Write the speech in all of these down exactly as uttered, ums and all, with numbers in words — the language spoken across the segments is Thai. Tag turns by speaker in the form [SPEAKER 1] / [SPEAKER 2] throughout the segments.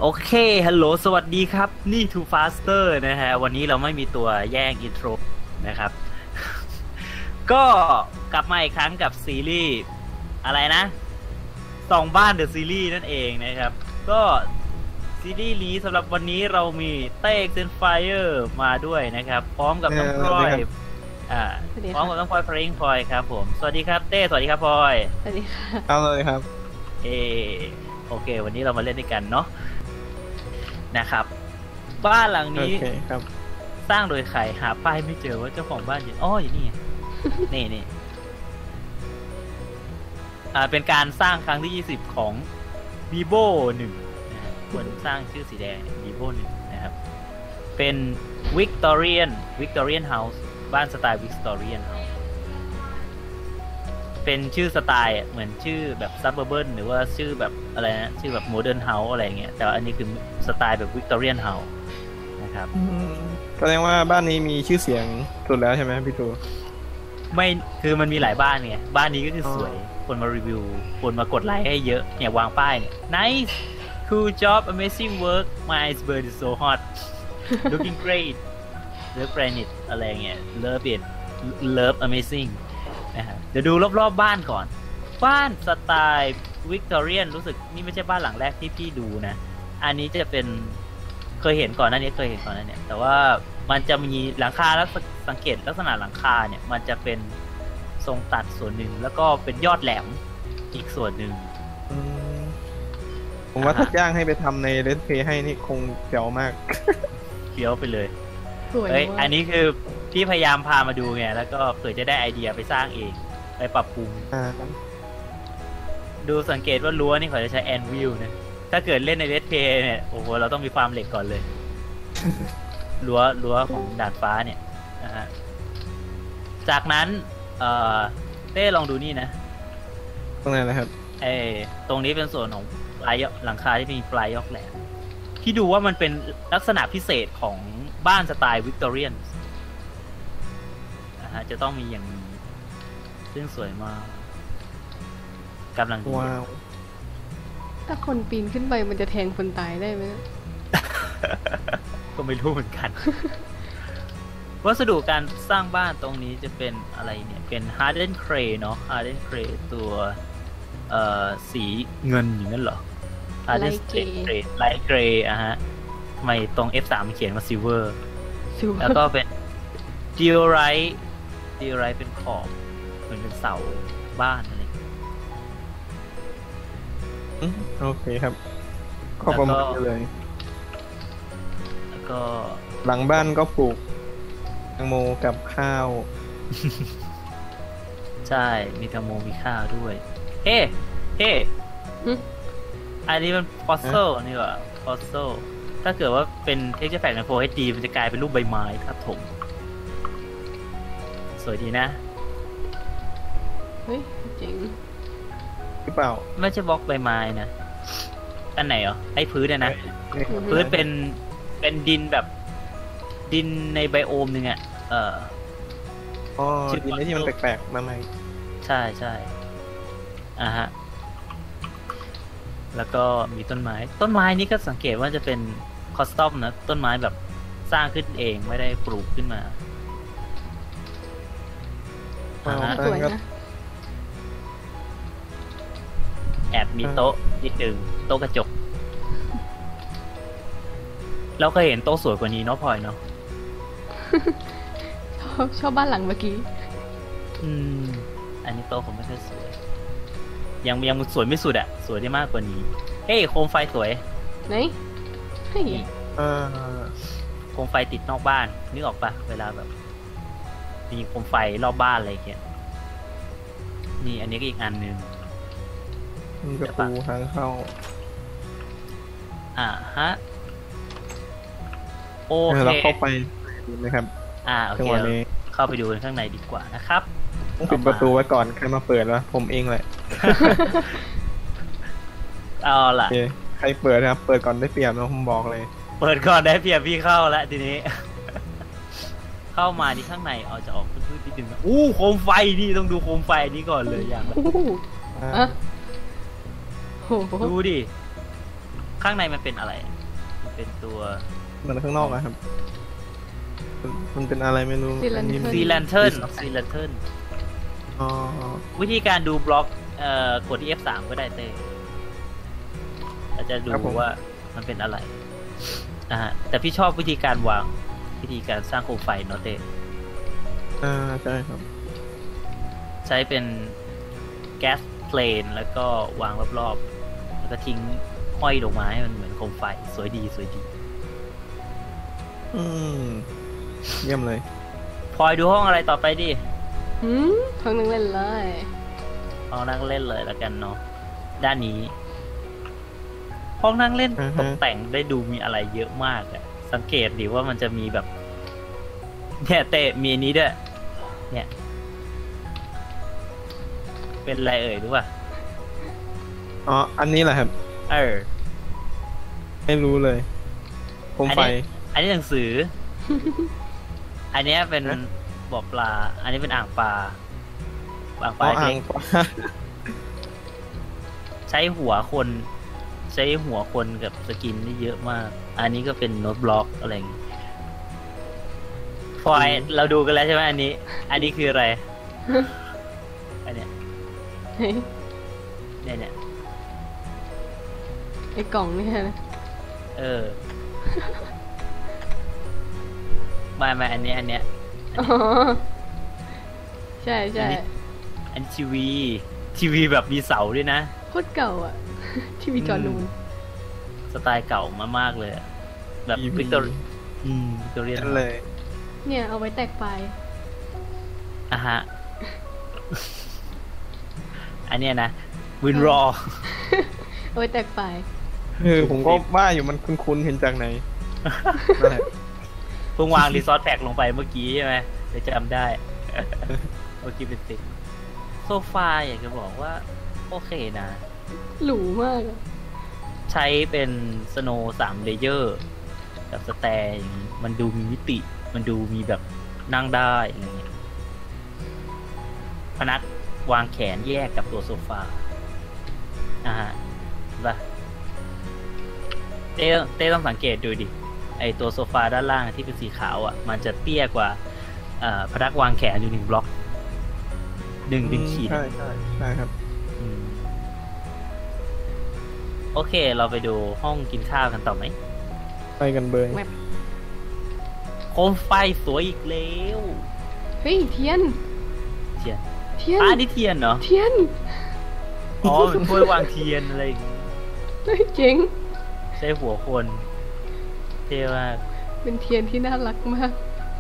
[SPEAKER 1] เคฮัลโหลสวัสดีครับนี่ Too Faster นะฮะวันนี้เราไม่มีตัวแย่งอินโทรนะครับก็กลับมาอีกครั้งกับซีรีส์อะไรนะสองบ้านเดอะซีรีส์นั่นเองนะครับก็ซีรีส์นี้สำหรับวันนี้เรามีเต้เซนไฟเออร์มาด้วยนะครับพร้อมกับน้องพลอยอ่าพร้อมกับน้องพลอยเพลงพลอยครับผมสวัสดีครับเต้สวัสดีครับพลอย
[SPEAKER 2] สวัสดีค่ะ
[SPEAKER 3] เอาเลยครับ
[SPEAKER 1] เอโอเควันนี้เรามาเล่นด้วยกันเนาะนะครับบ้านหลังนี้สร้างโดยใครหาป้ายไม่เจอว่าเจ้าของบ้านอยู่อ๋ออยู่นี่นี่นี่อ่าเป็นการสร้างครั้งที่ยี่สิบของ Vivo หนึ่งนะคนสร้างชื่อสีแดง Vivo หนึ่งนะครับเป็น Victorian Victorian House บ้านสไตล์ Victorian House เป็นชื่อสไตล์เหมือนชื่อแบบ Suburban หรือว่าชื่อแบบอะไรนะชื่อแบบ Modern House อะไรเงี้ยแต่ว่าอันนี้คือสไตล์แบบ Victorian House นะครับ
[SPEAKER 3] แสดงว่าบ้านนี้มีชื่อเสียงสุดแล้วใช่ไหมพี่ตู
[SPEAKER 1] ไม่คือมันมีหลายบ้านไงบ้านนี้ก็คือสวยคนมารีวิวคนมากดไลค์ให้เยอะเนี่ยวางป้ายเนี่ย nice cool job amazing work my iceberg is so hot looking great love granite อะไรเงี้ย love it love amazing นะครับเดี๋ยวดูรอบๆ บบ้านก่อนบ้านสไตล์วิกตอเรียนรู้สึกนี่ไม่ใช่บ้านหลังแรกที่พี่ดูนะอันนี้จะเป็นเคยเห็นก่อนหน้านี้เคยเห็นก่อนหน้านี้แต่ว่ามันจะมีหลังคาแล้วสังเกตลักษณะหลังคาเนี่ยมันจะเป็นทรงตัดส่วนหนึ่งแล้วก็เป็นยอดแหลมอีกส่วนหนึ่ง
[SPEAKER 3] ผมว่าถ้าจ้างให้ไปทำในเลนเพย์ให้นี่คงเจ๋วมาก
[SPEAKER 1] เฟี้ยวไปเลยเฮ้ยอันนี้คือพี่พยายามพามาดูไงแล้วก็เผื่อจะได้ไอเดียไปสร้างเองไปปรับปรุงดูสังเกตว่ารั้วนี่เขาจะใช้แอนวิลนะถ้าเกิดเล่นในเลนเพย์เนี่ยโอ้โหเราต้องมีฟาร์มเหล็กก่อนเลยรั้วรั้วของดาดฟ้าเนี่ยนะฮะจากนั้นเอ่อเต้ลองดูนี่นะ
[SPEAKER 3] ตรงไหนนะครับ
[SPEAKER 1] เออตรงนี้เป็นส่วนของปลายหลังคาที่มีปลายยกแหลมที่ดูว่ามันเป็นลักษณะพิเศษของบ้านสไตล์วิกตอเรียนนะฮะจะต้องมีอย่างนี้ซึ่งสวยมากกำลังดี
[SPEAKER 3] ว้าว
[SPEAKER 2] ถ้าคนปีนขึ้นไปมันจะแทงคนตายได้ไหม
[SPEAKER 1] ก็ไม่รู้เหมือนกันวัสดุการสร้างบ้านตรงนี้จะเป็นอะไรเนี่ยเป็น Harden Clay เนาะ Harden Clay ตัวเอ่อสีเงินอย่างนั้นเหรอ Harden Clay Light Gray อ่ะฮะทำไมตรง เอฟ สาม เขียนว่า Silver แล้วก็เป็น Diorite Diorite เป็นขอบเหมือนเป็นเสาบ้านอะไร
[SPEAKER 3] โอเคครับข้อประมาณเลย
[SPEAKER 1] แล้วก็
[SPEAKER 3] หลังบ้านก็ปลูกแตงโมกับข้าว
[SPEAKER 1] ใช่มีแตงโมมีข้าวด้วยเฮ้เฮ้อันนี้มันฟอสซิลนี่หว่าฟอสซิลถ้าเกิดว่าเป็นเท็กเจอร์แฟกต์ใน Full เอช ดี มันจะกลายเป็นรูปใบไม้ทับถมสวยดีนะ
[SPEAKER 2] เฮ้ยจริง
[SPEAKER 3] หรือเปล่า
[SPEAKER 1] ไม่ใช่บล็อกใบไม้นะอันไหนเหรอไอ้พื้นนะพื้นเป็นเป็นดินแบบดินในไบโอมนึงอ่ะเออ
[SPEAKER 3] อ๋อดินที่มันแปลกๆมาใหม่
[SPEAKER 1] ใช่ใช่อ่าฮะแล้วก็มีต้นไม้ต้นไม้นี้ก็สังเกตว่าจะเป็นคอสตอมนะต้นไม้แบบสร้างขึ้นเองไม่ได้ปลูกขึ้นมา
[SPEAKER 2] อ่าฮะสวยนะ
[SPEAKER 1] แอบมีโต๊ะนิดนึงโต๊ะกระจกเราเคยเห็นโต๊ะสวยกว่านี้เนาะพลอยเนาะ
[SPEAKER 2] ชอบชอบบ้านหลังเมื่อกี้
[SPEAKER 1] อืมอันนี้โต๊ะผมไม่ค่อยสวยยังยังสวยไม่สุดอะสวยได้มากกว่านี้เฮ้ยโคมไฟสวย
[SPEAKER 2] ไหนเฮ้ย
[SPEAKER 3] เออ
[SPEAKER 1] โคมไฟติดนอกบ้านนึกออกปะเวลาแบบมีโคมไฟรอบบ้านอะไรเงี้ยนี่อันนี้ก็อีกอันนึง
[SPEAKER 3] มีประตูทางเข้า
[SPEAKER 1] อ่าฮะโอเค
[SPEAKER 3] เราเข้าไปดีไหมครับ
[SPEAKER 1] อ่าโอเคเข้าไปดูข้างในดีกว่านะครับ
[SPEAKER 3] ต้องปิดประตูไว้ก่อนใครมาเปิดวะผมเองแหละ
[SPEAKER 1] เอาล่ะ
[SPEAKER 3] ใครเปิดครับเปิดก่อนได้เปรียบนะผมบอกเลย
[SPEAKER 1] เปิดก่อนได้เปรียบพี่เข้าแล้วทีนี้เข้ามาที่ข้างในเอาจะออกพื้นที่ดึงอู้โคมไฟนี่ต้องดูโคมไฟนี้ก่อนเลยอย่างแรกดูดิข้างในมันเป็นอะไรเป็นตัว
[SPEAKER 3] เหมือนข้างนอกอะครับ มันมันเป็นอะไรไม่รู้
[SPEAKER 2] Sea Lantern
[SPEAKER 3] อันนี้มัน
[SPEAKER 1] ซีแลนเทิร์นซีแลนเทิร์น
[SPEAKER 3] อ๋อ
[SPEAKER 1] วิธีการดูบล็อกเอ่อกดที่ เอฟ สาม ก็ได้เต้เราจะดูว่ามันเป็นอะไรอ่าแต่พี่ชอบวิธีการวางวิธีการสร้างโคมไฟเนาะเต้
[SPEAKER 3] อ่าใช่ครับ
[SPEAKER 1] ใช้เป็นแก๊สเพลนแล้วก็วางรอบๆ แล้วก็ทิ้งห้อยลงมาให้มันเหมือนโคมไฟสวยดีสวยดี
[SPEAKER 3] อืมเยี่ยมเลย
[SPEAKER 1] พลอยดูห้องอะไรต่อไปดิ
[SPEAKER 2] หืมท้องนึงเล่นเลย
[SPEAKER 1] ห้องนั่งเล่นเลยแล้วกันเนาะด้านนี้ ห้องนั่งเล่น
[SPEAKER 3] อือฮะ
[SPEAKER 1] ตกแต่งได้ดูมีอะไรเยอะมากอะสังเกตดิว่ามันจะมีแบบเนี่ยเตะมีอันนี้ด้วยเนี่ย เป็นอะไรเอ่ยรู้ป่ะ
[SPEAKER 3] อ๋อ อันนี้แหละครับ
[SPEAKER 1] เออ
[SPEAKER 3] ไม่รู้เลยโคมไฟ
[SPEAKER 1] อันนี้หนังสือ อันเนี้ยเป็น
[SPEAKER 3] ฮะ
[SPEAKER 1] บ่อปลา อันนี้เป็นอ่างปลาอ่างป
[SPEAKER 3] อ๋
[SPEAKER 1] ลา
[SPEAKER 3] ออ่า
[SPEAKER 1] เล็
[SPEAKER 3] ง
[SPEAKER 1] กใช้หัวคน ใช้หัวคนกับสกินได้เยอะมาก อันนี้ก็เป็นโน้ตบล็อกอะไรอย่างงี้พลอยเราดูกันแล้วใช่ไหมอันนี้ อันนี้คืออะไร อันเนี้ย
[SPEAKER 2] เฮ้ย
[SPEAKER 1] เนี่ยเนี่ย
[SPEAKER 2] ไอ้กล่องเนี่ยนะ
[SPEAKER 1] เออไม่ไม่อันนี้อันเนี้ย
[SPEAKER 2] อ๋อใช่ใช่
[SPEAKER 1] อันนี้ทีวี ทีวีแบบมีเสาด้วยนะ
[SPEAKER 2] โคตรเก่าอ่ะ ทีวีจอนูน
[SPEAKER 1] สไตล์เก่ามากๆเลยอะแบบ
[SPEAKER 3] ทีวี
[SPEAKER 1] วิกตอเรียอืมวิกตอเรียน
[SPEAKER 3] นั่นเลย
[SPEAKER 2] เนี่ยเอาไว้แตกไฟ
[SPEAKER 1] อ่ะฮะ อันเนี้ยนะวินรอ
[SPEAKER 2] เอาไว้แตกไฟ
[SPEAKER 3] เออผมก็ว่าอยู่มันคุ้นๆเห็นจากไหน นั่นแหละ
[SPEAKER 1] เพิ่งวางรีซอสแพ็กลงไปเมื่อกี้ใช่ไหมเดี๋ยวจำได้ เมื่อกี้เป็นติดโซฟาอยากจะบอกว่า โอเคนะ
[SPEAKER 2] หรูมากอะ
[SPEAKER 1] ใช้เป็นสโนว์สามเลเยอร์กับสแตร์อย่างนี้มันดูมีมิติ มันดูมีแบบนั่งได้อะไรเงี้ยพนักวางแขนแยกกับตัวโซฟาอ่าฮะเห็นปะเต้เต้ต้องสังเกตดูดิ ไอตัวโซฟาด้านล่างที่เป็นสีขาวอ่ะ มันจะเตี้ยกว่าเอ่อพนักวางแขนอยู่หนึ่งบล็อกหนึ่งหนึ่งขีด
[SPEAKER 3] ใช่ใช่ใช่ครับ
[SPEAKER 1] อืมโอเค เราไปดูห้องกินข้าวกันต่อไหม
[SPEAKER 3] ไปกันเบย
[SPEAKER 2] แวบ
[SPEAKER 1] โคมไฟสวยอีกแล้ว
[SPEAKER 2] เฮ้ยเทียน
[SPEAKER 1] เทียน
[SPEAKER 2] เทียน
[SPEAKER 1] อ่านี่เทียนเหรอ
[SPEAKER 2] เทียน
[SPEAKER 1] อ๋อเป็นถ้วยวางเทียนอะไรอย่างงี้
[SPEAKER 2] เฮ้ยเจ๋ง
[SPEAKER 1] ใช้หัวคนเท่มาก
[SPEAKER 2] เป็นเทียนที่น่ารักมาก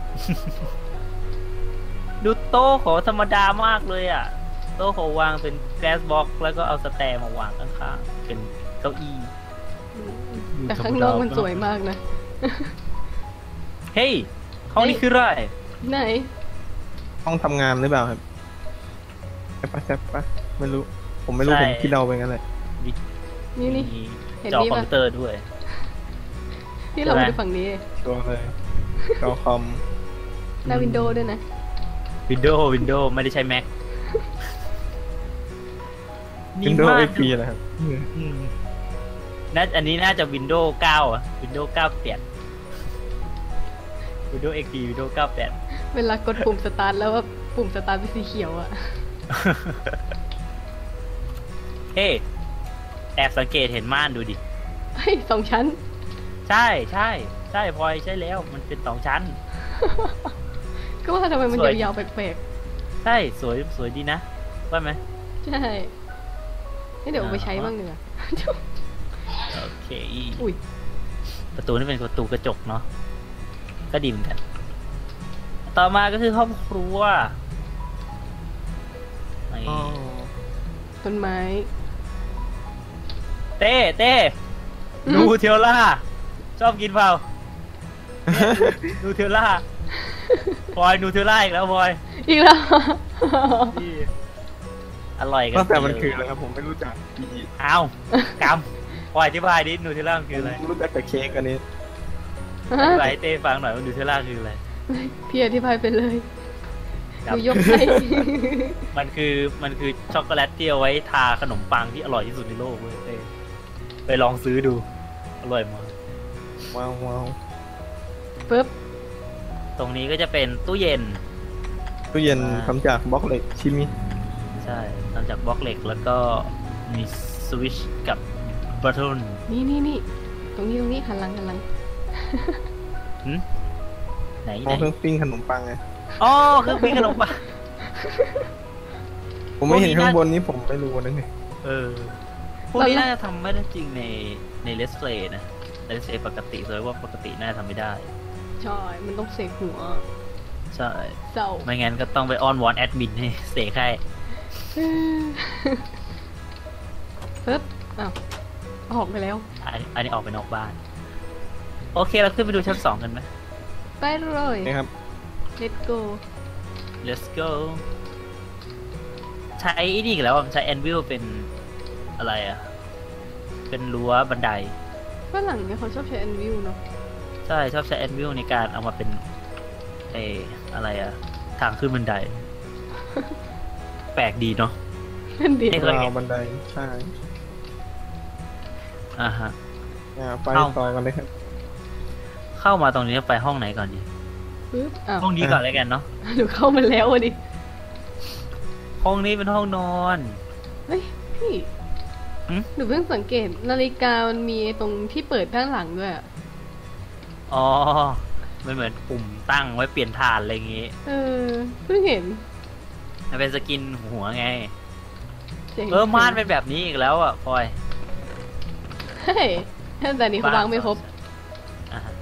[SPEAKER 1] ดูโต๊ะเขาธรรมดามากเลยอ่ะ โต๊ะเขาวางเป็นแกสบ็อกแล้วก็เอาสแตร์มาวางข้างๆ เป็นเก้าอี้
[SPEAKER 2] แต่ข้างนอกมันสวยมากนะ
[SPEAKER 1] เฮ้ยห้องนี้คืออะไร
[SPEAKER 2] ไหน
[SPEAKER 3] ห้องทำงานหรือเปล่าครับใช่ปะใช่ปะไม่รู้ ผมไม่รู้
[SPEAKER 1] ใช่
[SPEAKER 3] ผมคิดเดาไปงั้นเลย
[SPEAKER 2] นี่นี่
[SPEAKER 1] มี
[SPEAKER 2] เห็น
[SPEAKER 1] จอ
[SPEAKER 2] นี่
[SPEAKER 1] คอม
[SPEAKER 2] ปะ
[SPEAKER 1] พิวเตอร์ด้วย
[SPEAKER 2] ที่เรา
[SPEAKER 1] ใช่ไหม
[SPEAKER 2] ดูฝั่งนี้
[SPEAKER 3] ตัวเลยจอคอม
[SPEAKER 2] หน้าวินโดว์ด้วยนะ
[SPEAKER 1] วินโดว์วินโดว์ไม่ได้ใช้ Mac
[SPEAKER 3] วินโดว์
[SPEAKER 1] มา
[SPEAKER 3] เอ็
[SPEAKER 1] ก
[SPEAKER 3] กพีนะครับ
[SPEAKER 1] อืมน่าอันนี้น่าจะวินโดว์เก้าอ่ะวินโดว์เก้าแปดวินโดว์เอ็กพีวินโดว์เก้าแปด
[SPEAKER 2] เวลากดปุ่มสตาร์ทแล้วว่าปุ่มสตาร์ทเป็นสีเขียวอะ
[SPEAKER 1] เฮ้แอบสังเกตเห็นม่านดูดิ
[SPEAKER 2] เฮ้ยสองชั้น
[SPEAKER 1] ใช่ใช่ใช่พลอยใช่แล้วมันเป็นสองชั้น
[SPEAKER 2] ก็ว่าทำไมมัน
[SPEAKER 1] สวย
[SPEAKER 2] ยาวๆแปลก
[SPEAKER 1] ใช่สวยสวยดีนะว่าไหม
[SPEAKER 2] ๆ ใช่ให้เดี๋ยวเอาไปใช้บ้างเนื้อะ
[SPEAKER 1] โอเค
[SPEAKER 2] อุ้ย
[SPEAKER 1] ประตูนี่เป็นประตูกระจกเนาะก็ดีเหมือนกัน ต่อมาก็คือห้องครัวนี่
[SPEAKER 3] อ๋อ
[SPEAKER 2] ต้นไม้
[SPEAKER 1] เต้เต้
[SPEAKER 2] อืม
[SPEAKER 1] นูเทลล่า ชอบกินเปล่า นูเทลล่าพลอยนูเทลล่าอีกแล้วพลอย
[SPEAKER 2] อีกแล้ว
[SPEAKER 1] นี่อร่อยกัน
[SPEAKER 3] ตั้งแต่มันคืออะไรครับผมไม่รู้จักอี
[SPEAKER 1] อ้าวกำพลอยอธิบายดินูเทลล่ามันคืออะไร
[SPEAKER 3] ผมรู้จักแต่เค้กอันนี้
[SPEAKER 1] อธิบายให้เต้ฟังหน่อยว่านูเทลล่าคืออะไร
[SPEAKER 2] พี่อธิบายไปเลยห
[SPEAKER 1] ครับ
[SPEAKER 2] นูยกให้
[SPEAKER 1] มันคือมันคือช็อกโกแลตที่เอาไว้ทาขนมปังที่อร่อยที่สุดในโลกเว้ยเต้ไปลองซื้อดู อร่อยมาก
[SPEAKER 3] ว้าวว้าว
[SPEAKER 2] ปึ๊บ
[SPEAKER 1] ตรงนี้ก็จะเป็นตู้เย็น
[SPEAKER 3] ตู้เย็น
[SPEAKER 1] อ่า
[SPEAKER 3] ทำจากบล็อกเหล็กชิมิ
[SPEAKER 1] ใช่ทำจากบล็อกเหล็กแล้วก็มีสวิตช์กับบัตเทิล
[SPEAKER 2] นี่นี่นี่ตรงนี้ตรงนี้หันหลังหันหลัง
[SPEAKER 1] ไหน
[SPEAKER 3] ม
[SPEAKER 1] ไห
[SPEAKER 3] อน งเครื่องปิ้งขนมปังไง
[SPEAKER 1] อ๋อเครื่องปิ้งขนมปัง
[SPEAKER 3] ผมไม่เห็น
[SPEAKER 1] พวกนี้
[SPEAKER 3] ข้าง
[SPEAKER 1] น่า
[SPEAKER 3] บนนี้ผมไม่รู้นะเนี่ย
[SPEAKER 1] เออพวกนี้น่าจะทำไม่ได้จริงในในเลสเพลย์นะเลสเพลย์ปกติเลยว่าปกติน่าจะทำไม่ได้
[SPEAKER 2] ใช่มันต้องเสกหัว
[SPEAKER 1] ใช่
[SPEAKER 2] เศร้า
[SPEAKER 1] ไม่งั้นก็ต้องไปอ้อนวอนแอดมินให้เสกให้
[SPEAKER 2] ปึ๊บอ้าวออกไปแล้ว
[SPEAKER 1] อันอันนี้ออกไปนอกบ้าน โอเคเราขึ้นไปดูชั้นสองกันไหม
[SPEAKER 2] ไปเลย
[SPEAKER 3] นะครับ
[SPEAKER 2] let's go
[SPEAKER 1] let's go ใช้ไอ้นี่อีกแล้วอะมันใช้แอนวิลเป็นอะไรอ่ะ เป็นรั้วบันได
[SPEAKER 2] ฝรั่งเนี่ยเขาชอบใช้อันวิวเนาะ
[SPEAKER 1] ใช่ ชอบใช้แอนวิลในการเอามาเป็นเอออะไรอ่ะ ทางขึ้นบันได แปลกดีเนาะ
[SPEAKER 2] นั่นดี
[SPEAKER 1] เอ๊ะ
[SPEAKER 3] ราวบันไดใช่
[SPEAKER 1] อ่าฮะ
[SPEAKER 3] อ่าไป
[SPEAKER 1] เอ้า
[SPEAKER 3] ต่อกันเลยครับ
[SPEAKER 1] เข้ามาตรงนี้ไปห้องไหนก่อนดี
[SPEAKER 2] ปึ๊บอ้าว
[SPEAKER 1] ห้องนี้ก่อนเลยกันเนาะ
[SPEAKER 2] หนูเข้ามาแล้วอ่ะดิ
[SPEAKER 1] ห้องนี้เป็นห้องนอน
[SPEAKER 2] เฮ้ยพี่
[SPEAKER 1] หึ
[SPEAKER 2] หนูเพิ่งสังเกตนาฬิกามันมีตรงที่เปิดด้านหลังด้วยอะ
[SPEAKER 1] อ๋อมันเหมือนปุ่มตั้งไว้เปลี่ยนฐานอะไรอย่างงี้
[SPEAKER 2] เออเพิ่งเห็น
[SPEAKER 1] มันเป็นสกินหัวไง
[SPEAKER 2] จ๋ง
[SPEAKER 1] เออม่านเป็นแบบนี้อีกแล้วอ่ะพลอย
[SPEAKER 2] เฮ้ยแต่นี้เขาวางไม่ครบ
[SPEAKER 1] อ่าฮะ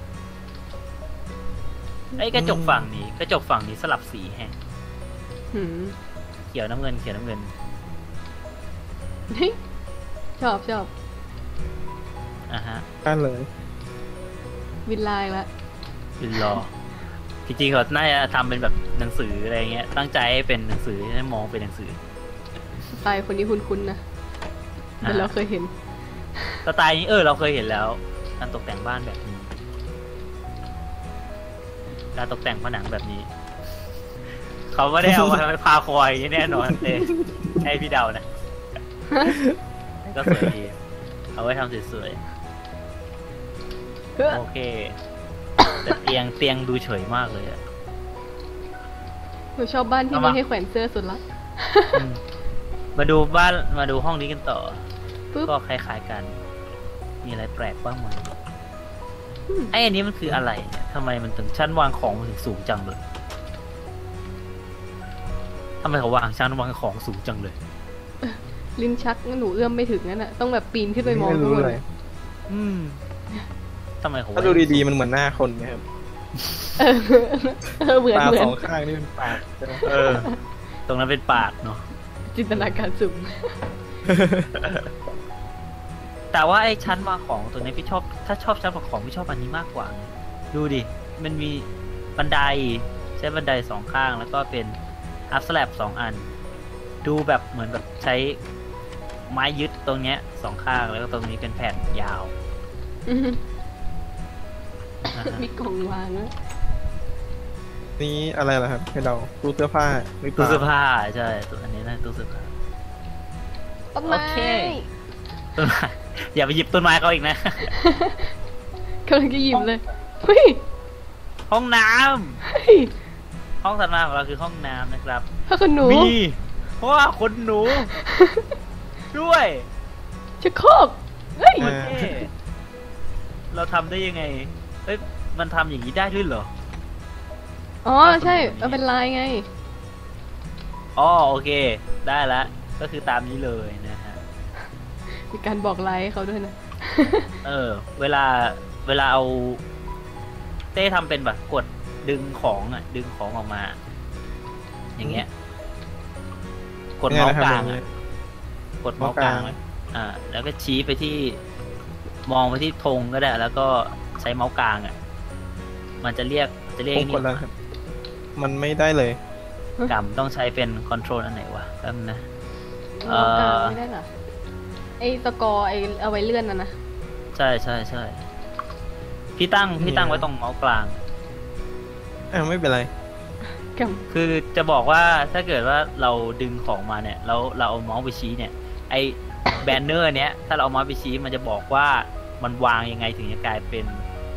[SPEAKER 1] ไอ้กระจกฝั่งนี้ กระจกฝั่งนี้สลับสีแฮะ
[SPEAKER 2] หืม
[SPEAKER 1] เขียวน้ำเงินเขียวน้ำเงิน
[SPEAKER 2] เฮ้ยชอบชอบ
[SPEAKER 1] อ่าฮะ
[SPEAKER 3] ได้เลย
[SPEAKER 2] วินไลน์ละ
[SPEAKER 1] ยืนรอ จริงๆเขาน่าจะทำเป็นแบบหนังสืออะไรเงี้ย ตั้งใจให้เป็นหนังสือให้มองเป็นหนังสือ
[SPEAKER 2] สไตล์คนนี้คุ้นๆนะเหมือนเราเคยเห็น
[SPEAKER 1] สไตล์นี้เออเราเคยเห็นแล้ว การตกแต่งบ้านแบบนี้ การตกแต่งผนังแบบนี้ เขาไม่ได้เอามาทำเป็นพาคอยอย่างนี้แน่นอนเลยให้พี่เดานะ ก็สวยดี เอาไว้ทำสวยๆ โอเค แต่เตียงเตียงดูเฉยมากเลยอะ
[SPEAKER 2] หนูชอบบ้านที่
[SPEAKER 1] เอา
[SPEAKER 2] มี
[SPEAKER 1] มา
[SPEAKER 2] ให้แขวนเสื้อสุดละ
[SPEAKER 1] อืมมาดูบ้านมาดูห้องนี้กันต่อ
[SPEAKER 2] ปึ๊บ
[SPEAKER 1] ก็คล้ายๆกัน มีอะไรแปลกบ้างไหม
[SPEAKER 2] อืม
[SPEAKER 1] ไอ้อันนี้มันคืออะไรเนี่ยทำไมมันถึงชั้นวางของมันถึงสูงจังเลยทำไมเขาวางชั้นวางของสูงจังเลย
[SPEAKER 2] ลิ้นชักงั้นหนูเอื้อมไม่ถึงนั่นน่ะต้องแบบปีนขึ้นไปมอง
[SPEAKER 3] ไม่
[SPEAKER 2] ข้าง
[SPEAKER 3] รู้
[SPEAKER 2] บน
[SPEAKER 3] เลย
[SPEAKER 1] อืมทำไมเขา
[SPEAKER 3] ถ้าดูดีๆมันเหมือนหน้าคนนะครับ
[SPEAKER 2] เออเออเหมือน
[SPEAKER 3] ตา
[SPEAKER 2] เหมือ
[SPEAKER 3] ส
[SPEAKER 2] น
[SPEAKER 3] องข้างนี่เป็นปากใช่ไหม
[SPEAKER 1] เออ ตรงนั้นเป็นปากเนาะ
[SPEAKER 2] จินตนาการสูง
[SPEAKER 1] แต่ว่าไอ้ชั้นวางของตัวนี้พี่ชอบ ถ้าชอบชั้นวางของพี่ชอบอันนี้มากกว่าไงดูดิ มันมีบันไดใช้บันไดสองข้างแล้วก็เป็นอัพสแลบสองอัน ดูแบบเหมือนแบบใช้ไม้ยึดตรงเนี้ยสองข้างแล้วก็ตรงนี้เป็นแผ่นยาว
[SPEAKER 2] อือฮึ
[SPEAKER 1] นะฮะ
[SPEAKER 2] มีกล่องวางแล้ว
[SPEAKER 3] นี่อะไรล่ะครับให้เราตู้เสื้อผ้าหรือเป
[SPEAKER 1] ตู้
[SPEAKER 3] ล่า
[SPEAKER 1] เสื้อผ้าใช่ตัวอันนี้นะตู้เสื้อผ้า
[SPEAKER 2] ต้นไม้
[SPEAKER 1] โอเค ต้นไม้ อย่าไปหยิบต้นไม้เขาอีกนะ
[SPEAKER 2] กำลังจะหยิบเลยเฮ้ย
[SPEAKER 1] ห้องน้ำ
[SPEAKER 2] เฮ้ย
[SPEAKER 1] ห้องถัดมาของเราคือห้องน้ำนะครับ
[SPEAKER 2] ผ้าขนหนู
[SPEAKER 1] มีเพราะว่าขนหนู ด้วย
[SPEAKER 2] ชักโครกเฮ้ย
[SPEAKER 1] โอเคเราทำได้ยังไงเอ้ยมันทำอย่างนี้ได้ด้วยเหรอ
[SPEAKER 2] อ๋อใช่มันเป็นลายไง
[SPEAKER 1] อ๋อโอเค ได้ละก็คือตามนี้เลยนะฮะ
[SPEAKER 2] มีการบอกลายให้เขาด้วยนะ
[SPEAKER 1] เออ เวลาเวลาเอาเต้ทำเป็นแบบกดดึงของอ่ะ ดึงของออกมา อย่างเงี้ย กดเมาส์กลาง
[SPEAKER 3] เนี่ย
[SPEAKER 1] อ่ะ
[SPEAKER 3] นะครับ
[SPEAKER 1] กดเมาส์กลางไว้อ่า แล้วก็ชี้ไปที่ มองไปที่ธงก็ได้ แล้วก็ใช้เมาส์กลางอ่ะ มันจะเรียกจะเรียก
[SPEAKER 3] ผ
[SPEAKER 1] ไอ้
[SPEAKER 3] ม
[SPEAKER 1] นี่
[SPEAKER 3] กดแล้วครับ มันไม่ได้เลย
[SPEAKER 1] กำต้องใช้เป็นคอนโทรลอันไหนวะแป๊บนึงนะ เอ่
[SPEAKER 2] เอ
[SPEAKER 1] อ
[SPEAKER 2] ไม่ได้เหรอไอ้ตะกอไอ้เอาไว้เลื่อนน่ะนะ
[SPEAKER 1] ใช่ใช่ใช่พี่ตั้งพี่ตั้ง
[SPEAKER 3] เนี่ย
[SPEAKER 1] ไว้ตรงเมาส์กลาง
[SPEAKER 3] อ่าไม่เป็นไร
[SPEAKER 2] ก
[SPEAKER 1] คือจะบอกว่าถ้าเกิดว่าเราดึงของมาเนี่ยแล้วเราเอาเมาส์ไปชี้เนี่ย ไอแบนเนอร์เนี้ยถ้าเราเอาเมาส์ไปชี้มันจะบอกว่ามันวางยังไงถึงจะกลายเป็น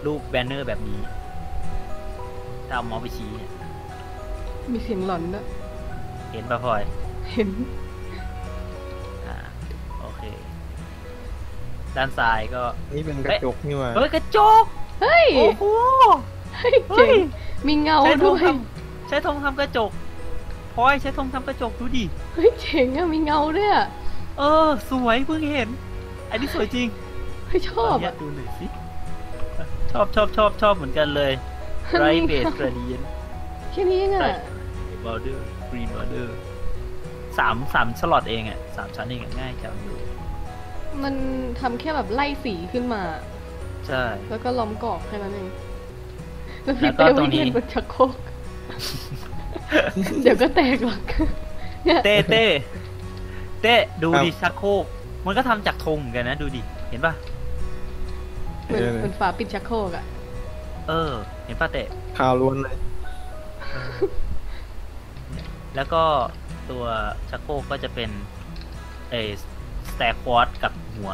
[SPEAKER 1] รูปแบนเนอร์แบบนี้ถ้าเอาเมาส์ไปชี้เนี่ย
[SPEAKER 2] มีเสียงหลอนด้วย
[SPEAKER 1] เห็นปะพลอย
[SPEAKER 2] เห็น
[SPEAKER 1] อ่าโอเค ด้านซ้ายก็
[SPEAKER 3] นี่เป็นกระจกนี่หว่า
[SPEAKER 1] เฮ้ยกระจก
[SPEAKER 2] เฮ้ย
[SPEAKER 1] โอ้โห
[SPEAKER 2] เฮ้ยเจ๋งมีเงา
[SPEAKER 1] ใช้ธ
[SPEAKER 2] ด้
[SPEAKER 1] ง
[SPEAKER 2] วย
[SPEAKER 1] ทำใช้ธงทำกระจกพลอยใช้ธงทำกระจกดูดิ
[SPEAKER 2] เฮ้ยเจ๋งอะมีเงาด้วยอะ
[SPEAKER 1] เออ สวยเพิ่งเห็น อันนี้สวยจริง
[SPEAKER 2] เฮ้ยชอบ
[SPEAKER 1] ขอนุญา
[SPEAKER 2] อะ
[SPEAKER 1] ตดูหน่อยสิ ชอบชอบชอบชอบเหมือนกันเลยไรเบสกระเดียน
[SPEAKER 2] แค่นี้เองอะ
[SPEAKER 1] บอร์เดอร์กรีนบอร์เดอร์สามสามสล็อตเองอ่ะสามชั้นเองอะง่ายจังดู
[SPEAKER 2] มันทำแค่แบบไล่สีขึ้นมา
[SPEAKER 1] ใช่
[SPEAKER 2] แล้วก็ล้อมกรอบแค่นั้นเองแล้ว
[SPEAKER 1] แล้
[SPEAKER 2] พี่
[SPEAKER 1] วก็
[SPEAKER 2] เต้
[SPEAKER 1] ตร
[SPEAKER 2] วิ่
[SPEAKER 1] ง
[SPEAKER 2] ง
[SPEAKER 1] นี้
[SPEAKER 2] เล่นบนชักโครก เดี๋ยวก็แตกหรอกเนี่ย
[SPEAKER 1] เต้เต้เต้ดูดิชักโครกมันก็ทำจากธงเหมือนกันนะดูดิ เห็นปะ
[SPEAKER 2] เหมือนเหมือนฝาปิดชักโครกอะ
[SPEAKER 1] เออ เห็นปะเต้
[SPEAKER 3] ข่าวล้วนเลย
[SPEAKER 1] แล้วก็ตัวชักโครกก็จะเป็นเอสแตร์ควอตกับหัว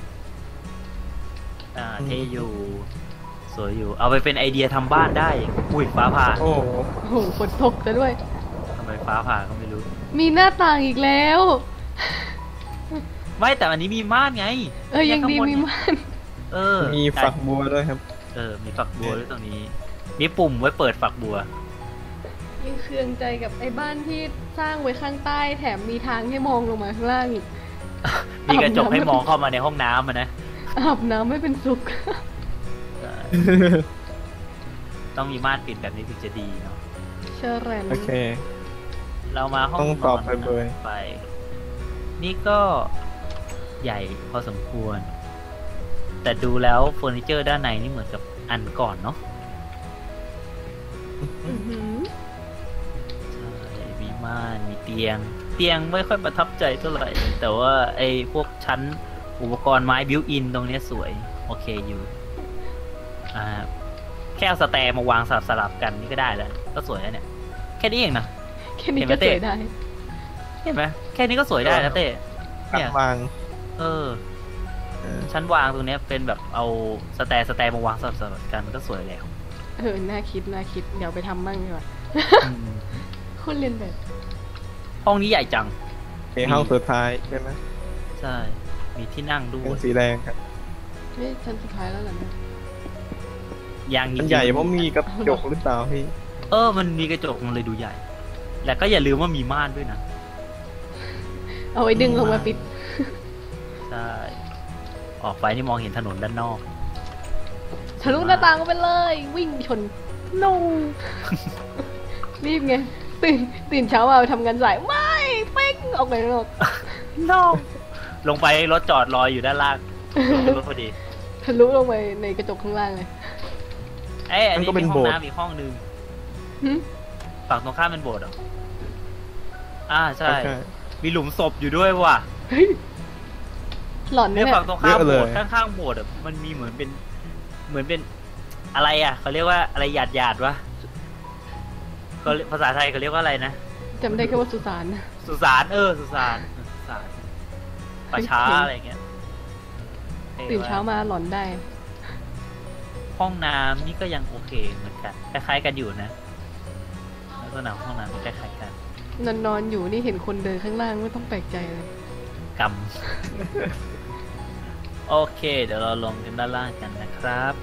[SPEAKER 1] อ่าเทอยู่ สวยอยู่ เอาไปเป็นไอเดียทำบ้านได้ อุ้ยฟ้าผ่า
[SPEAKER 3] โอ้โห
[SPEAKER 2] โอ้โหฝนตกซะด้วย
[SPEAKER 1] ทำไมฟ้าผ่าก็ไม่รู้
[SPEAKER 2] มีหน้าต่างอีกแล้ว
[SPEAKER 1] ไม่แต่อันนี้มีม่านไง
[SPEAKER 2] เออยังดี
[SPEAKER 1] ข้าบน
[SPEAKER 2] มีม่าน
[SPEAKER 1] เออ
[SPEAKER 3] มีฝักบัวด้วยครับ
[SPEAKER 1] เออ มีฝักบัวด้วยตรงนี้ มีปุ่มไว้เปิดฝักบัว
[SPEAKER 2] ยังเคืองใจกับไอ้บ้านที่สร้างไว้ข้างใต้แถมมีทางให้มองลงมาข้างล่างอีก
[SPEAKER 1] มีกระจกให้มองเข้ามาในห้องน้ำอะนะ
[SPEAKER 2] อาบน้ำไม่เป็นสุข
[SPEAKER 1] เออต้องมีม่านปิดแบบนี้ถึงจะดีเนาะ
[SPEAKER 2] เชอร์แรน
[SPEAKER 3] โอเค
[SPEAKER 1] เรามาห้อง
[SPEAKER 3] ต้อง
[SPEAKER 1] น
[SPEAKER 3] ต
[SPEAKER 1] อ
[SPEAKER 3] อบ
[SPEAKER 1] น
[SPEAKER 3] ไปเบย
[SPEAKER 1] ไป นี่ก็ใหญ่พอสมควร แต่ดูแล้วเฟอร์นิเจอร์ด้านในนี่เหมือนกับอันก่อนเนาะ
[SPEAKER 2] อื้อหือ
[SPEAKER 1] ใช่ มีม่าน มีเตียง เตียงไม่ค่อยประทับใจเท่าไหร่ แต่ว่าไอ้พวกชั้นอุปกรณ์ไม้บิวอินตรงเนี้ยสวย โอเคอยู่ อ่า แค่เอาสแตร์มาวางสลับสลับๆกันนี่ก็ได้แล้ว ก็สวยแล้วเนี่ย แค่นี้เองนะ
[SPEAKER 2] แค่นี้
[SPEAKER 1] เห็นไหม
[SPEAKER 2] ก็ส
[SPEAKER 1] เต้
[SPEAKER 2] วยได้
[SPEAKER 1] เห็นไหมแค่นี้ก็สวยได้แล้วเต้
[SPEAKER 3] กั
[SPEAKER 1] เนี่
[SPEAKER 3] ด
[SPEAKER 1] ย
[SPEAKER 3] วาง
[SPEAKER 1] เออ
[SPEAKER 3] เออ
[SPEAKER 1] ชั้นวางตรงเนี้ยเป็นแบบเอาสแตร์สแตร์มาวางสลับสลับกันมันก็สวยแล้ว
[SPEAKER 2] เออ น่าคิด น่าคิด เดี๋ยวไปทำบ้างดีกว่า
[SPEAKER 1] อืม
[SPEAKER 2] คนเรียนแบบ
[SPEAKER 1] ห้องนี้ใหญ่จัง
[SPEAKER 3] โอเคห้องสุดท้ายใช่ไหม
[SPEAKER 1] ใช่ มีที่นั่งด้ว
[SPEAKER 3] เป็น
[SPEAKER 1] ย
[SPEAKER 3] สีแดงครับ
[SPEAKER 2] นี่ชั้นสุดท้ายแล้วเหรอเนี่ย
[SPEAKER 1] ยังจริ
[SPEAKER 3] มัน
[SPEAKER 1] งๆ
[SPEAKER 3] ใหญ่เพราะมีกระจกหรือเปล่าพี่
[SPEAKER 1] เออ มันมีกระจกมันเลยดูใหญ่ แล้วก็อย่าลืมว่ามีม่านด้วยนะ
[SPEAKER 2] เอาไว้ดึงลงมาปิด
[SPEAKER 1] ใช่ ออกไปนี่มองเห็นถนนด้านนอก
[SPEAKER 2] ทะลุหน้าต่างไปเลย วิ่งชน no รีบไง ตื่น ตื่นเช้ามาทำงานสาย ไม่ เป้งออกไปข้างนอก
[SPEAKER 1] no ลงไปรถจอดรออยู่ด้านล่างรถพอดี
[SPEAKER 2] ทะลุลงไปในกระจกข้างล่างเลย
[SPEAKER 1] เอ้ยอันนี้
[SPEAKER 3] มันก็เป็
[SPEAKER 1] มี
[SPEAKER 3] น
[SPEAKER 1] ห้อง
[SPEAKER 3] โบสถ์
[SPEAKER 1] น้ำอีกห้องนึง
[SPEAKER 2] หึ
[SPEAKER 1] ฝั่งตรงข้ามเป็นโบสถ์เหรอ อ่าใช่
[SPEAKER 3] โอเค
[SPEAKER 1] มีหลุมศพอยู่ด้วยว่ะ
[SPEAKER 2] เฮ้ย หลอน
[SPEAKER 1] เนี่ย
[SPEAKER 2] เนี่ย
[SPEAKER 1] ฝั่งตรงข้าม
[SPEAKER 3] เยอะ
[SPEAKER 1] โบ
[SPEAKER 3] เลย
[SPEAKER 1] สถ์ข้างๆโบสถ์อะมันมีเหมือนเป็น เหมือนเป็นอะไรอ่ะเขาเรียกว่าอะไรหยาดหยาดๆวะเขาเรียกภาษาไทยเขาเรียกว่าอะไรนะ
[SPEAKER 2] จำได้แค่ว่าสุสาน
[SPEAKER 1] สุสานเออสุสานสุสานป่าช้าอะไรอย่างเงี้ย
[SPEAKER 2] ตื่นเช้ามาหลอนได้
[SPEAKER 1] ห้องน้ำนี่ก็ยังโอเคเหมือนกันคล้ายๆกันอยู่นะลักษณะห้องน้ำคล้ายๆกัน
[SPEAKER 2] นอนนอนอยู่นี่เห็นคนเดินข้างล่างไม่ต้องแปลกใจเลย
[SPEAKER 1] กรรม โอเค เดี๋ยวเราลงกันด้านล่างกันนะครับ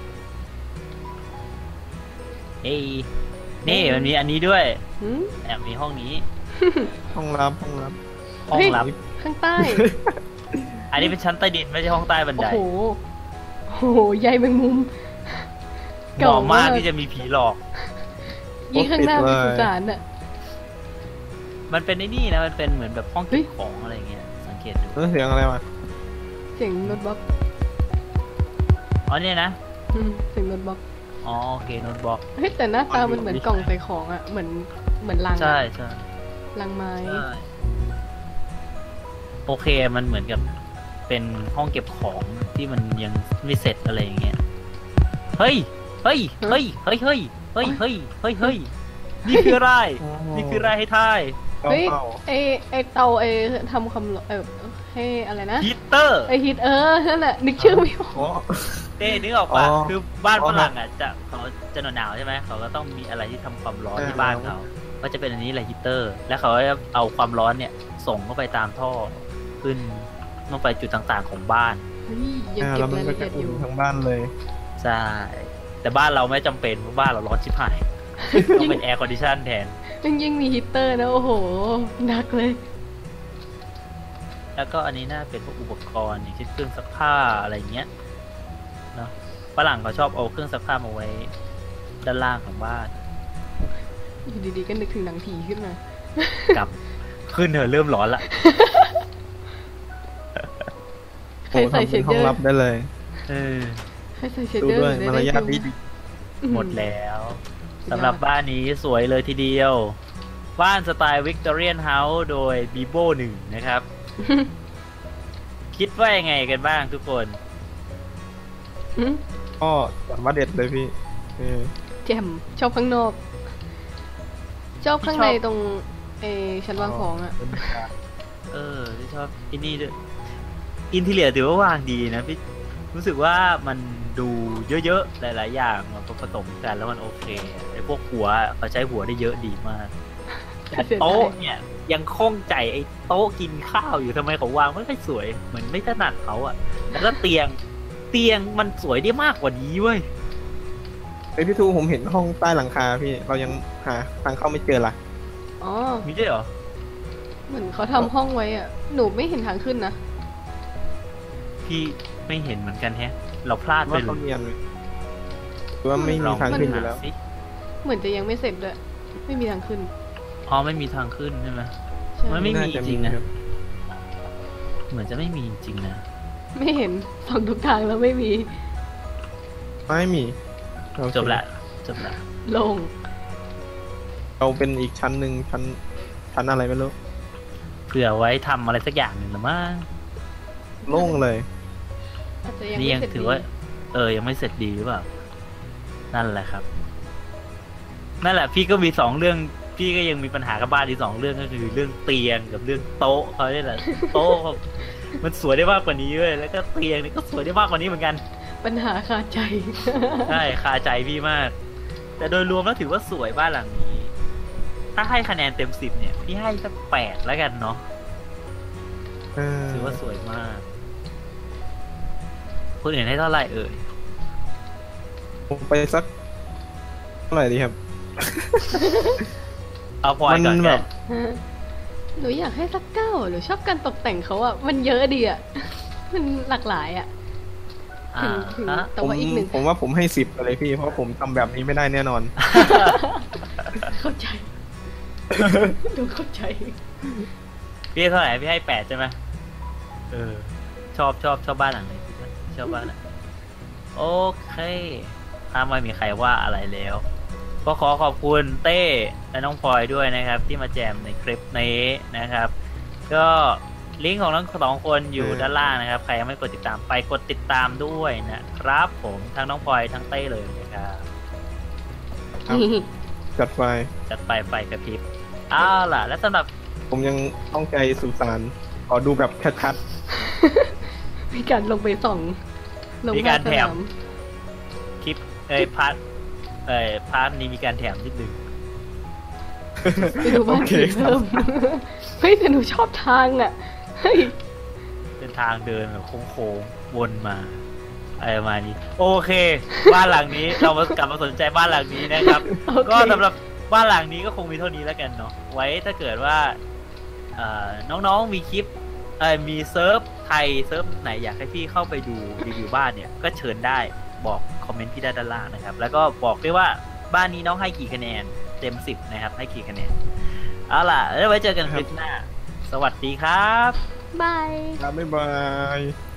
[SPEAKER 1] เฮ้ยนี่มันมีอันนี้ด้วย
[SPEAKER 2] หืม
[SPEAKER 1] แอบมีห้องนี้
[SPEAKER 3] ห้องรับห้องรับ
[SPEAKER 1] ห้องลับ
[SPEAKER 2] ข้างใต้
[SPEAKER 1] อันนี้เป็นชั้นใต้ดินไม่ใช่ห้องใต้บัน
[SPEAKER 2] โอ้
[SPEAKER 1] ได
[SPEAKER 2] โห โอ้โห ใยแมงมุม
[SPEAKER 1] เหมาะมากที่จะมีผีหลอก
[SPEAKER 2] ยิ่งข้างหน้าเป็นสุสานอ่ะ
[SPEAKER 1] มันเป็นไอ้นี่นะ มันเป็นเหมือนแบบห้อง
[SPEAKER 2] เฮ้
[SPEAKER 1] เก็
[SPEAKER 2] ย
[SPEAKER 1] บของอะไรเงี้ย สังเกตดู
[SPEAKER 3] แล้วเสียงอะไรวะ
[SPEAKER 2] เสียงโน้ตบล็อก
[SPEAKER 1] อ๋อเนี่ยนะ
[SPEAKER 2] อืมเสียงโน้ตบล็อก
[SPEAKER 1] อ๋อโอเคโน้ตบล็อก
[SPEAKER 2] เฮ้ยแต่หน้าตามันเหมือนกล่องใส่ของอ่ะ เหมือนเหมือนลังอะ
[SPEAKER 1] ใช่ใช่
[SPEAKER 2] ลังไม้
[SPEAKER 1] ใช่โอเคมันเหมือนกับเป็นห้องเก็บของที่มันยังไม่เสร็จอะไรอย่างเงี้ย เฮ้ย เฮ้ย เฮ้ย เฮ้ย เฮ้ย เฮ้ย เฮ้ย เฮ้ย เฮ้ย นี่คืออะไร นี่คืออะไรให้ทาย
[SPEAKER 3] เป้า
[SPEAKER 2] เฮ้ย
[SPEAKER 3] เป้า
[SPEAKER 2] ไอไอเตาไอทำคำร้องเออให้อะไรนะ
[SPEAKER 1] ฮีตเตอร์
[SPEAKER 2] ไอฮิตเออ นั่นแหละนึกชื่อไม่ออก
[SPEAKER 3] อ๋อ
[SPEAKER 1] เต้นึกออกป่ะ
[SPEAKER 3] อ๋อ
[SPEAKER 1] คือบ้าน
[SPEAKER 3] อ๋อ
[SPEAKER 1] ฝรั่งอ่ะจะเขาจะหนาวๆใช่ไหมเขาก็ต้องมีอะไรที่ทำความร้อน
[SPEAKER 3] ใช่
[SPEAKER 1] ที่บ้านเขาก็จะเป็นอันนี้แหละฮีตเตอร์ แล้วเขาก็จะเอาความร้อนเนี่ยส่งเข้าไปตามท่อขึ้นลงไปจุดต่างๆของบ้าน
[SPEAKER 2] เฮ้ยยัง
[SPEAKER 3] อ่า
[SPEAKER 2] เก็
[SPEAKER 3] แล้
[SPEAKER 2] บ
[SPEAKER 3] วมัน
[SPEAKER 2] ราย
[SPEAKER 3] ก็
[SPEAKER 2] ละเอี
[SPEAKER 3] จะ
[SPEAKER 2] ยดอ
[SPEAKER 3] อุ่น
[SPEAKER 2] ยู่
[SPEAKER 3] ทั้งบ้านเลย
[SPEAKER 1] ใช่แต่บ้านเราไม่จำเป็นเพราะบ้านเราร้อนชิบหายต้องเป็นแอร์คอนดิชันแทน
[SPEAKER 2] ยังยังมีฮีตเตอร์นะ โอ้โหหนักเลย
[SPEAKER 1] แล้วก็อันนี้น่าเป็นพวกอุปกรณ์อย่างเช่นเครื่องซักผ้าอะไรเงี้ยเนาะฝรั่งเขาชอบเอาเครื่องซักผ้ามาไว้ด้านล่างของบ้าน
[SPEAKER 2] อยู่ดีๆก็นึกถึงหนังผีขึ้นมา
[SPEAKER 1] กลับขึ้นเถอะเริ่มร้อนละ
[SPEAKER 2] ใครใส่
[SPEAKER 3] โอ้
[SPEAKER 2] เช
[SPEAKER 3] ทำเป็น
[SPEAKER 2] ด
[SPEAKER 3] ห้
[SPEAKER 2] เด
[SPEAKER 3] อง
[SPEAKER 2] อ
[SPEAKER 3] รับ
[SPEAKER 2] ร์
[SPEAKER 3] ได้เลย
[SPEAKER 1] เออ
[SPEAKER 2] ใครใส่เชด
[SPEAKER 3] ดู
[SPEAKER 2] เดอร์
[SPEAKER 3] ด้วย
[SPEAKER 2] หรือ
[SPEAKER 3] มาร
[SPEAKER 2] ได้
[SPEAKER 3] ยาท
[SPEAKER 2] ฟิ
[SPEAKER 3] ดี
[SPEAKER 2] ล
[SPEAKER 3] ดี
[SPEAKER 1] หมดแล้วสำหรับบ้านนี้สวยเลยทีเดียว บ้านสไตล์วิกตอเรียนเฮาส์โดยบีโบหนึ่งนะครับ คิดว่ายังไงกันบ้างทุกคน
[SPEAKER 2] อืม
[SPEAKER 3] ก็จัดว่าเด็ดเลยพี่เออ
[SPEAKER 2] แจ่มชอบข้างนอก ชอบข้างใน
[SPEAKER 1] ชอบ
[SPEAKER 2] ตรงเออชั้นวางของอะ
[SPEAKER 3] บรรยากาศ
[SPEAKER 1] เออที่ชอบอินนี่ด้วยอินทีเลียถือว่าวางดีนะพี่รู้สึกว่ามันดูเยอะๆ หลายๆ อย่างมาผสมกันแล้วมันโอเคไอ้พวกหัวเขาใช้หัวได้เยอะดีมากแต่โต๊ะเนี่ยยังคล่องใจไอ้โต๊ะกินข้าวอยู่ทำไมเขาวางไม่ค่อยสวย เหมือนไม่ถนัดเขาอะแล้วก็เตียงเตียงมันสวยได้มากกว่านี้เว้ย
[SPEAKER 3] ไอยพี่ทูผมเห็นห้องใต้หลังคาพี่ เรายังหาทางเข้าไม่เจอละ
[SPEAKER 2] อ๋อ
[SPEAKER 1] มีด้วยเหรอ
[SPEAKER 2] เหมือนเขาทำห้องไว้อะหนูไม่เห็นทางขึ้นนะ
[SPEAKER 1] พี่ไม่เห็นเหมือนกันแฮะ เราพลาดไป
[SPEAKER 3] ว่า
[SPEAKER 1] เล
[SPEAKER 3] เขา
[SPEAKER 1] ย
[SPEAKER 3] เนียนไหมหรือว่าไม่
[SPEAKER 1] ล
[SPEAKER 3] มี
[SPEAKER 1] อง
[SPEAKER 3] ทาง
[SPEAKER 1] ไป
[SPEAKER 3] ขึ้นอ
[SPEAKER 1] หา
[SPEAKER 3] ยู่แล้ว
[SPEAKER 1] สิ
[SPEAKER 2] เหมือนจะยังไม่เสร็จด้วยไม่มีทางขึ้น
[SPEAKER 1] อ๋อไม่มีทางขึ้นใช่ไหม
[SPEAKER 2] ใช่
[SPEAKER 1] มันไม่มี
[SPEAKER 3] น่าจะ
[SPEAKER 1] จริงๆนะ
[SPEAKER 3] ครับ
[SPEAKER 1] เหมือนจะไม่มีจริงๆนะ
[SPEAKER 2] ไม่เห็นสองทุกทางแล้วไม่มี
[SPEAKER 3] ไม่มีโอเค
[SPEAKER 1] จบละจบละ
[SPEAKER 2] โลง
[SPEAKER 3] เราเป็นอีกชั้นหนึ่งชั้นชั้นอะไรไม่รู้
[SPEAKER 1] เผื่อไว้ทำอะไรสักอย่างหนึ่งหรือมั้ง
[SPEAKER 3] โล่งเลย
[SPEAKER 2] อาจจะยัง
[SPEAKER 1] นี่
[SPEAKER 2] ไม่
[SPEAKER 1] ยัง
[SPEAKER 2] เสร็จ
[SPEAKER 1] ถือ
[SPEAKER 2] ดี
[SPEAKER 1] ว่า เออ ยังไม่เสร็จดีหรือเปล่า นั่นแหละครับ นั่นแหละ พี่ก็มีสองเรื่อง พี่ก็ยังมีปัญหากับบ้านอีกสองเรื่องก็คือเรื่องเตียงกับเรื่องโต๊ะเขาเนี่ยแหละ โต๊ะเขามันสวยได้มากกว่านี้เว้ยแล้วก็เตียงนี่ก็สวยได้มากกว่านี้เหมือนกัน
[SPEAKER 2] ปัญหาคาใจ
[SPEAKER 1] ใช่คาใจพี่มาก แต่โดยรวมแล้วถือว่าสวยบ้านหลังนี้ ถ้าให้คะแนนเต็มสิบเนี่ย พี่ให้สักแปดแล้วกันเนาะ
[SPEAKER 3] เออ
[SPEAKER 1] ถือว่าสวยมาก คนอื่นให้เท่าไหร่เอ่ย
[SPEAKER 3] ผมไปสักเท่าไหร่ดีครับ
[SPEAKER 1] เอาพลอยก่อน
[SPEAKER 3] มัน
[SPEAKER 1] แก
[SPEAKER 3] แบบ
[SPEAKER 2] หนูอยากให้สักเก้าหนูชอบการตกแต่งเขาอะมันเยอะดีอะ มันหลากหลายอะ
[SPEAKER 1] อ่า
[SPEAKER 2] ถึง
[SPEAKER 1] ฮะ
[SPEAKER 2] แต่
[SPEAKER 3] ผม
[SPEAKER 2] ว่าอีกหนึ่ง
[SPEAKER 3] ผมว่าผมให้สิบเลยพี่ เพราะผมทำแบบนี้ไม่ได้แน่นอน
[SPEAKER 2] เข้าใจ หนูเข้าใจ
[SPEAKER 1] พี่ให้เท่าไหร่พี่ให้แปดใช่ไหมเออ ชอบชอบชอบบ้านหลังไหนชอบบ้านหลังไหนโอเค ถ้าไม่มีใครว่าอะไรแล้ว ก็ขอขอบคุณเต้และน้องพลอยด้วยนะครับ ที่มาแจมในคลิปนี้นะครับ ก็ลิงก์ของทั้งสองคนอยู่
[SPEAKER 3] เออ
[SPEAKER 1] ด้านล่างนะครับ ใครยังไม่กดติดตามไปกดติดตามด้วยนะครับ ผมทั้งน้องพลอยทั้งเต้เลยนะครับ
[SPEAKER 3] ครับ จัดไฟ
[SPEAKER 1] จัดไปไฟกระพริบเอาล่ะ และสำหรับ
[SPEAKER 3] ผมยังต้องใจสุสานขอดูแบบชัด
[SPEAKER 2] มีการลงไปส่องลง
[SPEAKER 1] มีการ
[SPEAKER 2] ภค
[SPEAKER 1] แถม
[SPEAKER 2] สน
[SPEAKER 1] คลิปเอ้ยพาร์ทเอ้ยพาร์ทนี้มีการแถมนิดนึง
[SPEAKER 2] ไปดูบ้านผีเพิ่ม เฮ้ยแต่หนูชอบทางอะเฮ้ย
[SPEAKER 1] เป็นทางเดินแบบโค้งๆวนมาอะไรประมาณนี้ โอเค บ้านหลังนี้ เรามากลับมาสนใจบ้านหลังนี้นะครับ
[SPEAKER 2] โอเค
[SPEAKER 1] ก็สำหรับบ้านหลังนี้ก็คงมีเท่านี้แล้วกันเนาะไว้ถ้าเกิดว่าเอ่อน้องๆมีคลิปเอ่อมีเซิร์ฟไทยเซิร์ฟไหนอยากให้พี่เข้าไปดูรีวิวบ้านเนี่ยก็เชิญได้บอกคอมเมนต์ที่ด้านล่างนะครับ แล้วก็บอกด้วยว่าบ้านนี้น้องให้กี่คะแนนเต็มสิบนะครับให้กี่คะแนนเอาล่ะแล้วไว้เจอกันคลิปหน้า สวัสดีครับ
[SPEAKER 2] บาย
[SPEAKER 3] ๆครับบ๊ายบาย